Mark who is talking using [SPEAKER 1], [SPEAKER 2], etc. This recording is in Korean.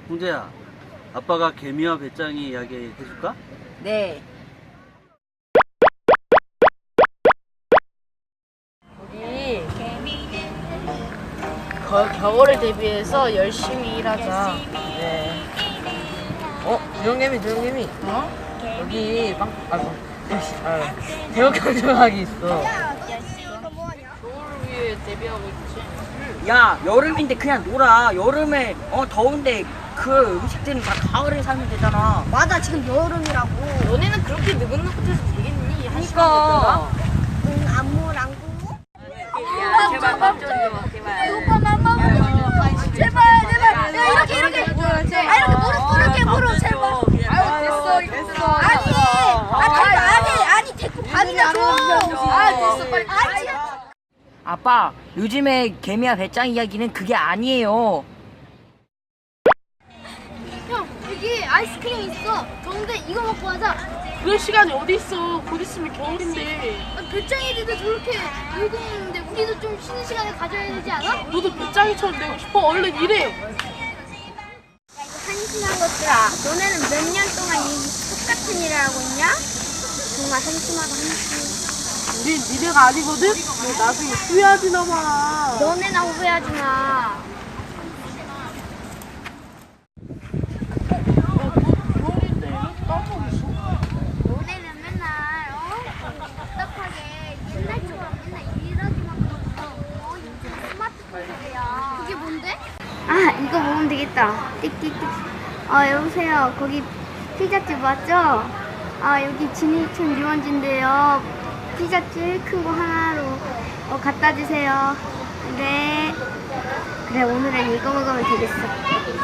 [SPEAKER 1] 홍재야, 아빠가 개미와 배짱이 이야기 해줄까?
[SPEAKER 2] 네. 우리 겨울을 대비해서 열심히 일하자. 네.
[SPEAKER 3] 조용개미.
[SPEAKER 2] 어?
[SPEAKER 3] 여기 대역 강정학이 있어.
[SPEAKER 2] 겨울을 위해 대비하고 있지.
[SPEAKER 4] 야, 여름인데 그냥 놀아. 여름에 더운데 그 음식들은 다 가을에 살면 되잖아.
[SPEAKER 5] 맞아, 지금 여름이라고.
[SPEAKER 2] 너네는 그렇게 느긋느긋해서 되겠니? 한 시간
[SPEAKER 3] 그러니까.
[SPEAKER 5] 응, 안무랑구.
[SPEAKER 2] 됐다가? 제발 밥좀 줘. 제발.
[SPEAKER 5] 오빠 맘마 제발. 야, 이렇게. 이렇게 무릎 제발.
[SPEAKER 2] 됐어.
[SPEAKER 5] 아니, 데리고 밥이나 줘.
[SPEAKER 2] 됐어, 빨리.
[SPEAKER 4] 아빠, 요즘에 개미와 배짱 이야기는 그게 아니에요.
[SPEAKER 5] 형, 여기 아이스크림 있어. 더운데 이거 먹고 하자.
[SPEAKER 2] 그럴 시간이 어디 있어? 곧 있으면 겨울인데.
[SPEAKER 5] 배짱이들도 저렇게 놀고 있는데 우리도 좀 쉬는 시간을 가져야 되지 않아?
[SPEAKER 2] 너도 배짱이처럼 되고 싶어. 얼른 일해.
[SPEAKER 5] 한심한 것들아, 너네는 몇 년 동안 이 똑같은 일을 하고 있냐? 정말 한심하다.
[SPEAKER 2] 우린 니네가 아니거든? 너 나중에 후회하지나 마.
[SPEAKER 5] 너네나 후회하지 마. 너네는 맨날 답답하게 옛날처럼 맨날 일하기만 하고 요즘 스마트폰이야. 그게 뭔데? 아, 이거 먹으면 되겠다. 띡띡띡. 여보세요. 거기 피자집 맞죠? 여기 진이촌 유원지인데요. 피자집 큰 거 하나로 갖다 주세요. 네. 그래, 오늘은 이거 먹으면 되겠어.